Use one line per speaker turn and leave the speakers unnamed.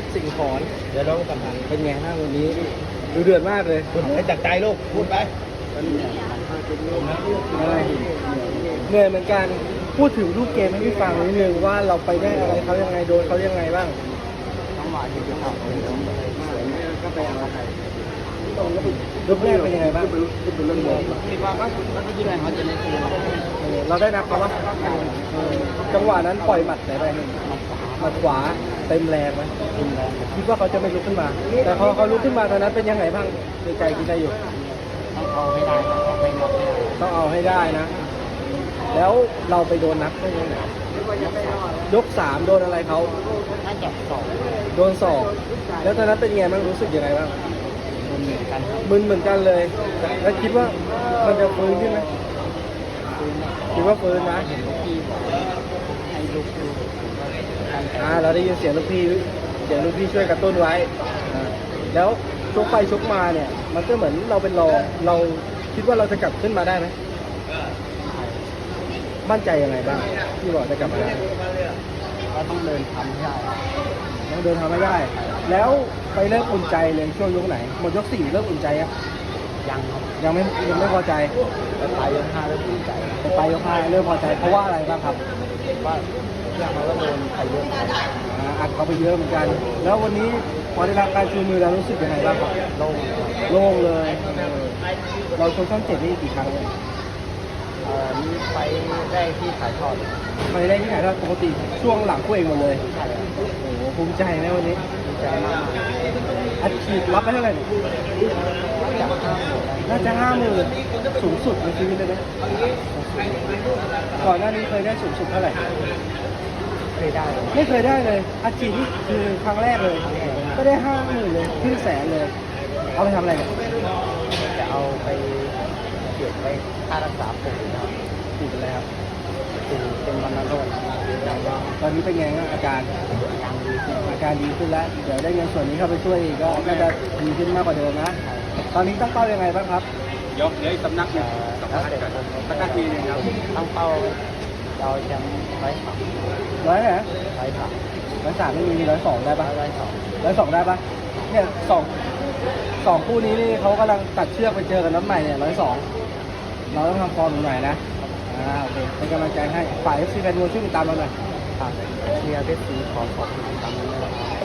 สิงห์ขอน
เดี๋ยวเรากำลัง
เป็นไงบ้างวันนี้ดูเดือดมากเลย
พูดให้จากใจลูกพูดไป
เหนื่อยเหมือนกันพูดถึงลูกเกมให้พี่ฟังนิดนึงว่าเราไปได้อะไรเขายังไงโดนเขายังไงบ้าง
จังหวะที่จะทำก็ไปเอาใคร
ลูกแรกเป็นยังไงบ้าง
คิดว่าก็ที่ไหนเขาจะได้คืน
เราได้นับเขาปะจังหวะนั้นปล่อยหมัดไหนไปหนึ่งหมัดขวาเต็มแรงไหมคิดว่าเขาจะไม่ลุกขึ้นมา แต่พอเขาลุกขึ้นมาตอนนั้นเป็นยังไงบ้างในใจคิดได้อยู่
ต้องเอาให้ได้ต้องเอาให้ได้
ต้องเอาให้ได้นะ แล้วเราไปโดนนับได้ยังไงยกสามโดนอะไรเขา
น่าจะสอง
โดนศอกแล้วตอนนั้นเป็นไงบ้างรู้สึกยังไงบ้าง
เหมือนกันครับ
มึนเหมือนกันเลย แล้วคิดว่ามันจะฟื้นขึ้นไหมคิดว่าฟื้นนะ
เห็นลูกพี่บอกให้ลูกดู
เราได้ยินเสียงลูกพี่ช่วยกระตุ้นไว้แล้วชกไปชกมาเนี่ย มันก็เหมือนเราเป็นรองเราคิดว่าเราจะกลับขึ้นมาได้ไหมมั่นใจยังไงบ้างที่บอกจะกลับมาได้
ก็ต้องเดินทำให้ได้
ต้องเดินทางไม่ได้ แล้วไปเริ่มอุ่นใจเลยช่วงยกไหนหมดยกสี่เริ่มอุ่นใจยัง
ยังครับ
ยังไม่พอใจ
แต่ปลายยกห้าแล้วดีใจ
แต่ไปยกห้าเริ่มพอใจเพราะว่าอะไรบ้างครับ
ว่าเรื่องเขาก็โดนใครเยอะ
อัดเขาไปเยอะเหมือนกัน แล้ววันนี้พอได้รับการชูมือแล้วรู้สึกยังไงบ้างครับ
โล่ง
โล่งเลยเราชกช่องเจ็ดนี่กี่ครั้งเนี่ย
นี่ไปได้ที่ถ่ายทอด
ไปได้ที่ไหนถ้าปกติช่วงหลังคู่เองหมดเลย
ใช่
โอ้โหภูมิใจนะวันนี้
ดีใจมาก
อัดฉีดรับไปเท่าไหร่เนี่ย
จากข้าง
น่าจะ50,000สูงสุดในชีวิตเลยไหมก่อนหน้านี้เคยได้สูงสุดเท่าไหร่
เคยได้
ไม่เคยได้เลยอัดฉีดนี่คือครั้งแรกเลย ก็ได้50,000เลยครึ่งแสนเลย เอาไปทำอะไรเนี่ย
จะเอาไปเก็บไว้ค่ารักษาผมนะครับ
ฉีดเป็นอะไรครับ
เป็นวันละโรค
ตอนนี้เป็นไงบ้างอาการ
ยังดีขึ้น
อาการดีขึ้นแล้ว เดี๋ยวได้เงินส่วนนี้เข้าไปช่วยอีกก็น่าจะดีขึ้นมากกว่าเดิมนะ ตอนนี้ตั้งเป้ายังไงบ้างครับ
ยกเดี๋ยวอีกสำนักหนึ่ง
แล้วเด็ก
สำนักทีหนึงครับ
ตั้งเป้าเราแชมป์
ร้อยไหน
103
103ไม่มี102ได้ปะ
102
102ได้ปะเนี่ยสองคู่นี้นี่เขากำลังตัดเชือกไปเจอกันน้ำใหม่เนี่ย102เราต้องทำฟอร์มหน่อยนะโอเคเป็นกำลังใจให้ฝ่าย FC แฟนมวยช่วยติดตามเราหน่อย
ฝากเชียร์เพชรศรีขอขอบคุณตามนี้นะครับ